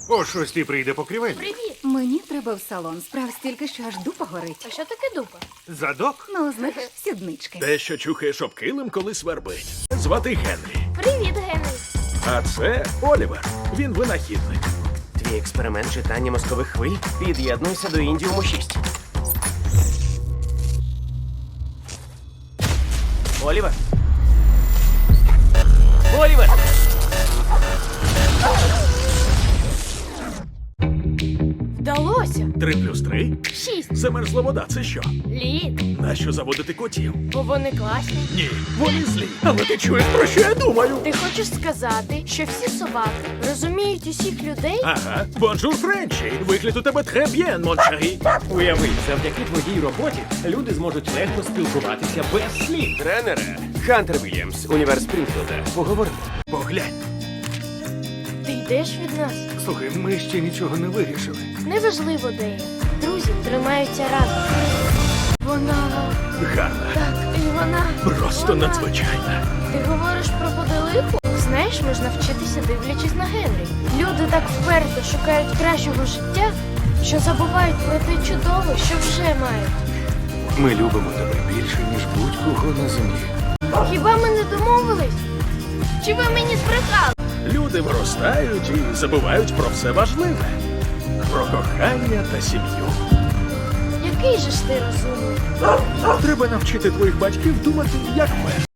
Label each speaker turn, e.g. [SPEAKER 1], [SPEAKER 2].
[SPEAKER 1] О 6 прийде покрівель.
[SPEAKER 2] Привіт!
[SPEAKER 3] Мені треба в салон. Справ стільки, що аж дупа горить.
[SPEAKER 2] А що таке дупа?
[SPEAKER 1] Задок?
[SPEAKER 3] Ну, знаєш, сіднички.
[SPEAKER 4] Те, що чухаєш об килим, коли свербить. Звати Генрі.
[SPEAKER 2] Привіт, Генрі!
[SPEAKER 4] А це Олівер. Він винахідник.
[SPEAKER 5] Твій експеримент читання мозкових хвиль під'єднуйся до Індіуму 6. Олівер! Олівер!
[SPEAKER 2] Вдалося!
[SPEAKER 4] 3+3?
[SPEAKER 2] 6.
[SPEAKER 4] Замерзла вода, це що?
[SPEAKER 2] Лід.
[SPEAKER 4] Нащо заводити котів?
[SPEAKER 2] Бо вони класні.
[SPEAKER 4] Ні, вони злі. Але ти чуєш, про що я думаю?
[SPEAKER 2] Ти хочеш сказати, що всі собаки розуміють усіх людей?
[SPEAKER 4] Ага. Бонжур, Френчі. Вигляд у тебе треб'єн, моншарі.
[SPEAKER 6] Уяви, завдяки твоїй роботі люди зможуть легко спілкуватися без слів.
[SPEAKER 5] Тренере, Хантер Вільямс, універ Спрінфілда. Поговоримо.
[SPEAKER 4] Поглянь.
[SPEAKER 2] Ти йдеш від нас?
[SPEAKER 1] Слухай, ми ще нічого не вирішили.
[SPEAKER 2] Неважливо, де я. Друзі тримаються разом. Вона...
[SPEAKER 4] Гарна.
[SPEAKER 2] Так, і вона...
[SPEAKER 4] Просто надзвичайна.
[SPEAKER 2] Ти говориш про поделиху? Знаєш, можна вчитися, дивлячись на Генрі. Люди так вперто шукають кращого життя, що забувають про те чудове, що вже мають.
[SPEAKER 1] Ми любимо тебе більше, ніж будь-кого на землі.
[SPEAKER 2] Хіба ми не домовились? Чи ви мені збрехали?
[SPEAKER 4] Люди виростають і забувають про все важливе. Про кохання та сім'ю.
[SPEAKER 2] Який же ж ти розумний?
[SPEAKER 4] Треба навчити твоїх батьків думати, як ми.